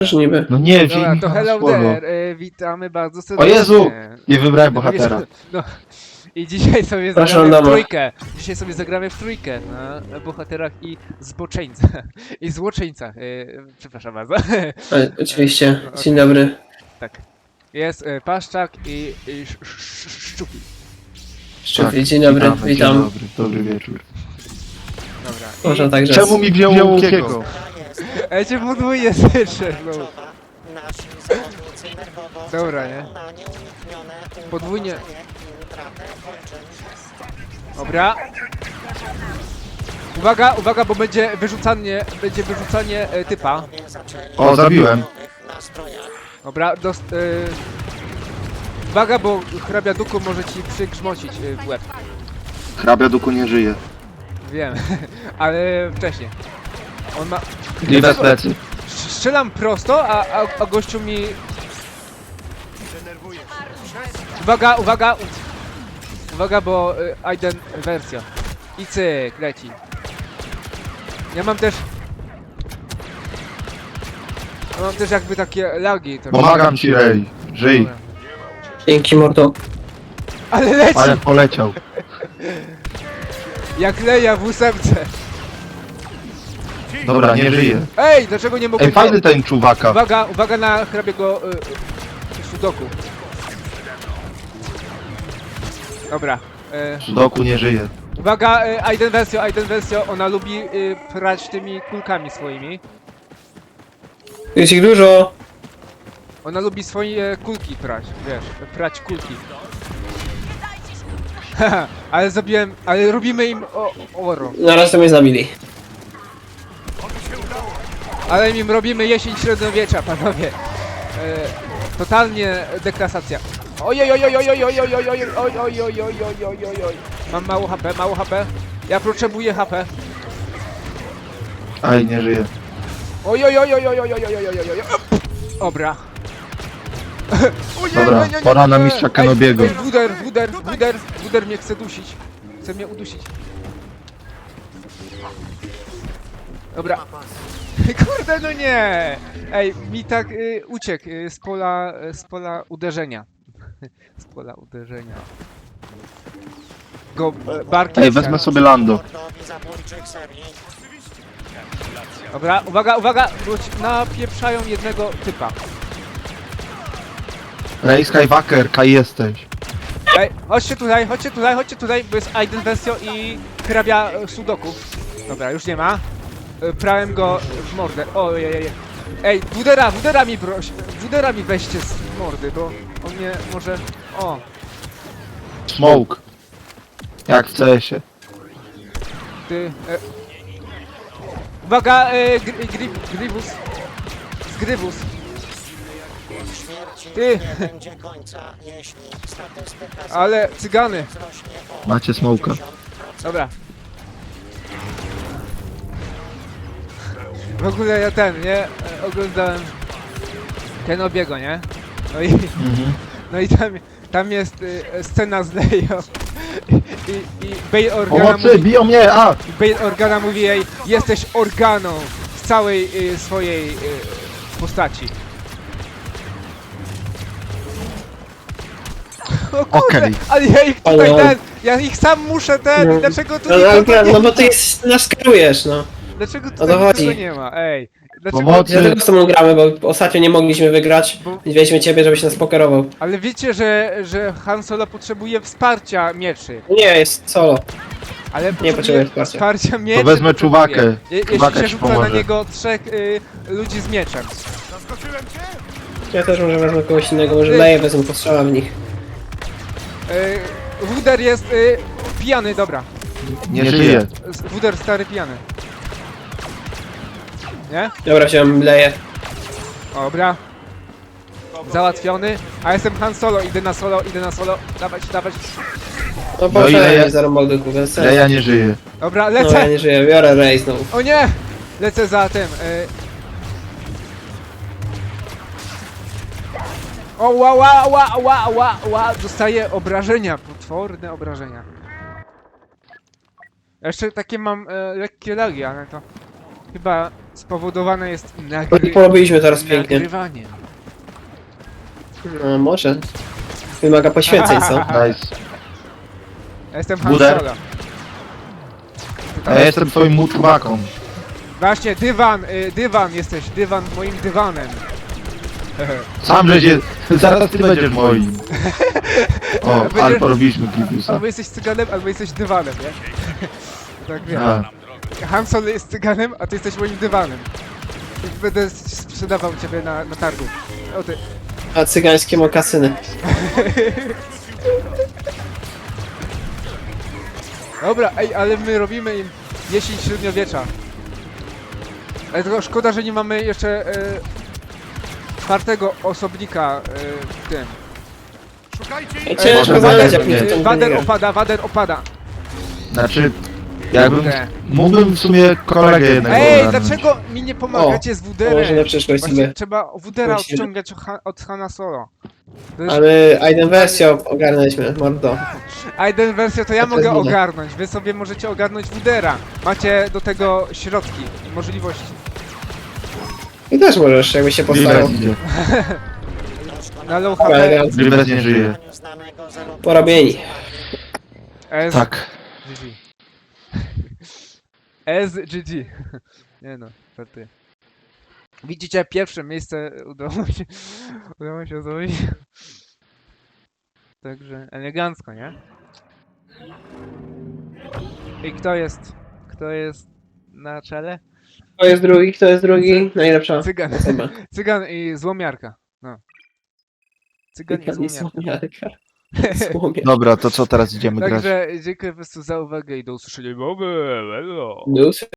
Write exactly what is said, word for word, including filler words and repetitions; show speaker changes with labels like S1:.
S1: Też niby.
S2: No nie,
S3: Dobra,
S2: wzięli
S3: to
S2: mi
S3: hello
S2: słowo.
S3: there, y, witamy bardzo
S2: O
S3: serdecznie.
S2: Jezu! Nie wybrałem
S3: No,
S2: bohatera.
S3: wiesz, no, i dzisiaj sobie
S1: Proszę,
S3: zagramy w
S1: Adama.
S3: trójkę. Dzisiaj sobie zagramy w trójkę na bohaterach i zboczeńcach. I złoczyńcach. Y, przepraszam bardzo.
S1: A, oczywiście.
S3: No,
S1: Dzień dobry.
S3: Tak. Jest y, Paszczak i, i sz, sz, sz, Szczupi.
S1: Szczupli, dzień dobry,
S2: witamy,
S1: witam.
S2: Dzień dobry, dobry wieczór.
S3: Dobra.
S1: Można także.
S2: Czemu mi wziął łukiego?
S3: Ja cię podwójnie słyszę, no.
S4: Nasi zawodnicy nerwowo
S3: Dobra, nie?
S4: na nieuniknione
S3: Podwójnie.
S4: i utratę kończyn.
S3: Dobra. Uwaga, uwaga, bo będzie wyrzucanie, będzie wyrzucanie e, typa.
S4: Panowie zaczęli
S2: O, zabiłem.
S4: w nowych nastrojach.
S3: Dobra, dost, e, uwaga, bo hrabia duku może ci przygrzmocić e, w łeb.
S2: Hrabia duku nie żyje.
S3: Wiem, ale wcześniej. On ma...
S2: Nie bez plecy.
S3: Sz- Strzelam prosto, a, a, a gościu mi... Uwaga, uwaga! Uwaga, bo y, Aiden wersja. I cyk, leci. Ja mam też... Ja mam też jakby takie lagi. To
S2: Pomagam ci, Rej. Żyj.
S3: Dobra.
S1: Dzięki, mordo.
S3: Ale leci!
S2: Ale poleciał.
S3: Jak leja w ósemce.
S2: Dobra, nie żyje.
S3: Ej, dlaczego nie mogę...
S2: Ej, fajny ten czuwaka.
S3: Uwaga, uwaga na hrabiego y, y, sudoku. Dobra. Y,
S2: Sudoku nie żyje.
S3: uwaga, y, Aiden wersja, Aiden wersja, ona lubi y, prać tymi kulkami swoimi.
S1: Jest ich dużo.
S3: Ona lubi swoje kulki prać, wiesz, prać kulki. Haha, ale zrobiłem, ale robimy im o, oro.
S1: Na razie to mnie zabili.
S3: Ale im robimy jesień średniowiecza, panowie. E, totalnie deklasacja. Ojoj, oj, oj, oj, oj, oj, oj, oj, oj, oj, oj, oj, oj, oj, oj, oj, oj. Mam mało H P, mało H P. Ja potrzebuję H P.
S2: Aj, nie żyje.
S3: Oj, oj, oj, oj, oj, oj, oj, oj, oj, oj, oj, oj. Dobra. O nie,
S2: Dobra,
S3: nie, nie, nie,
S2: pora na
S3: nie.
S2: mistrza
S3: Ej,
S2: Kenobiego.
S3: ej, Wuder, Wuder, Wuder, Wuder mnie chce dusić. Chce mnie udusić. Dobra. Kurde, no nie! Ej, mi tak y, uciekł y, z pola, y, z pola uderzenia. Z pola uderzenia. Go y, barkiem.
S2: Ej, wezmę sobie Lando.
S4: Mordowi zabójczych serii.
S3: Dobra, uwaga, uwaga, bo ci napieprzają jednego typa.
S2: Rej Skywalker, kaj jesteś.
S3: Ej, chodźcie tutaj, chodźcie tutaj, chodźcie tutaj, bo jest Aiden Versio i hrabia y, sudoku. Dobra, już nie ma. Y, Prałem go w mordę. Ojej, ej, ej, Wudera, Wudera mi proś, Wudera mi weźcie z mordy, bo on mnie może... O,
S2: Smoke. Jak w C S-ie.
S3: ty... E... Uwaga, e, gri, gri, Gribus. Zgrybus.
S4: Śmierci
S3: Ty.
S4: nie będzie końca, jeśli statystyka
S3: Ale cygany.
S4: wzrośnie o
S2: Macie smoka.
S4: pięćdziesiąt procent.
S3: Dobra. W ogóle ja ten, nie? E, Oglądałem Kenobiego, nie? No i,
S2: Mhm.
S3: no i tam, tam jest y, scena z Leją. I, i, i Bail Organa
S2: Pomocy,
S3: mówi,
S2: biją mnie, a!
S3: Bail Organa mówi jej, jesteś organą w całej y, swojej y, postaci. O kurde,
S2: Okej.
S3: ale ja ich tutaj
S1: Ale-
S3: ten, ja ich sam muszę ten,
S1: No.
S3: dlaczego tu
S1: No,
S3: nikogo
S1: no,
S3: nie
S1: no
S3: ma?
S1: bo ty jest, nas kierujesz, no.
S3: Dlaczego
S1: to
S3: tutaj
S1: chodzi.
S3: nikogo nie ma? Ej, dlaczego...
S2: Pomocy.
S1: Dlatego z tobą gramy, bo ostatnio nie mogliśmy wygrać.
S3: Bo-
S1: I wzięliśmy ciebie, żebyś nas pokerował.
S3: Ale wiecie, że, że Han Solo potrzebuje wsparcia mieczy.
S1: Nie, jest solo.
S3: Ale
S1: potrzebuje
S3: potrzebuje
S1: wsparcia.
S3: wsparcia mieczy.
S2: To wezmę
S3: potrzebuje.
S2: czuwakę.
S3: Je,
S2: Czuwaka
S3: jeśli się
S2: ci
S3: rzuca na
S2: pomoże.
S3: niego trzech y, ludzi z mieczem.
S1: Ja też może wezmę kogoś innego, może
S3: Ty.
S1: leję, wezmę postrzela w nich.
S3: Y, Wuder jest y, pijany, dobra.
S2: Nie żyje.
S3: Z- Wuder stary pijany. Nie?
S1: Dobra, wziąłem leję.
S3: Dobra. Załatwiony. A jestem Han Solo, idę na solo, idę na solo. Dawać, dawać.
S1: No
S2: No i
S1: po
S2: leję.
S1: mnie zarąbał do kuby.
S2: Leja nie żyje.
S3: Dobra,
S1: No ja
S3: lecę.
S1: nie żyję, biorę rej znowu.
S3: O nie! Lecę za tym. Y... O, ła, ła, ła, ła, ła, ła. Dostaję obrażenia, potworne obrażenia. Jeszcze takie mam e, lekkie lagi, ale to chyba spowodowane jest
S1: I
S3: nagry...
S1: porobiliśmy teraz pięknie.
S3: nagrywaniem.
S1: No może. Wymaga poświęceń, co?
S2: Nice.
S3: Ja jestem Han
S2: Buder.
S3: Solo.
S2: A ja jestem twoim muczubaką.
S3: Właśnie, dywan, y, dywan jesteś, dywan moim dywanem.
S2: Sam żeście... Zaraz ty będziesz moim. O,
S3: Będziesz-
S2: ale porobiliśmy Gibusa.
S3: Albo jesteś cyganem, albo jesteś dywanem, nie? Tak wiem.
S2: A,
S3: Han Solo jest cyganem, a ty jesteś moim dywanem. I będę sprzedawał ciebie na, na targu. O ty.
S1: A cygańskie mokasyny.
S3: Dobra, ej, ale my robimy im jesień średniowiecza. Ale tylko szkoda, że nie mamy jeszcze e, czwartego osobnika e, w tym.
S1: Ej, ciężko
S2: może
S1: znaleźć
S2: Wader-
S1: jakąś
S3: E,
S1: tą
S3: Wader
S1: grę.
S3: opada, Wader opada.
S2: znaczy... Jakbym...
S3: Kurde.
S2: Mógłbym w sumie kolegę jednego
S3: Ej,
S2: ogarnąć.
S3: dlaczego mi nie pomagacie z
S1: To może na
S3: Wuderem?
S1: przyszłość
S3: Właśnie
S1: sobie.
S3: trzeba Wudera
S1: Musimy.
S3: odciągać od Ha- od Hana Solo. To jest-
S1: A my Aiden wersję ogarnęliśmy, mordo.
S3: Aiden wersję to ja
S1: To
S3: mogę
S1: jest wina.
S3: ogarnąć, wy sobie możecie ogarnąć Wudera. Macie do tego środki, możliwości.
S1: I też możesz, jakby się postarał.
S2: Grievous idzie.
S3: Na low
S1: Dobra,
S3: H P,
S1: elegancko.
S2: Grievous nie żyje.
S4: Znanego zero
S1: Porobieni.
S3: S,
S2: Tak.
S3: G G. S, G G. Nie no, to ty. Widzicie, pierwsze miejsce udało się, udało się zrobić. Także elegancko, nie? I kto jest, kto jest na czele?
S1: Kto jest drugi, kto jest drugi? Najlepsza
S3: Cygan.
S1: osoba.
S3: Cygan i złomiarka. No. Cygan i
S1: Cygan i
S3: złomiarka.
S1: słomiarka. Słomia.
S2: Dobra, to co teraz idziemy grać?
S3: Także dziękuję po prostu za uwagę i do usłyszenia. Mamy, hello.
S1: News.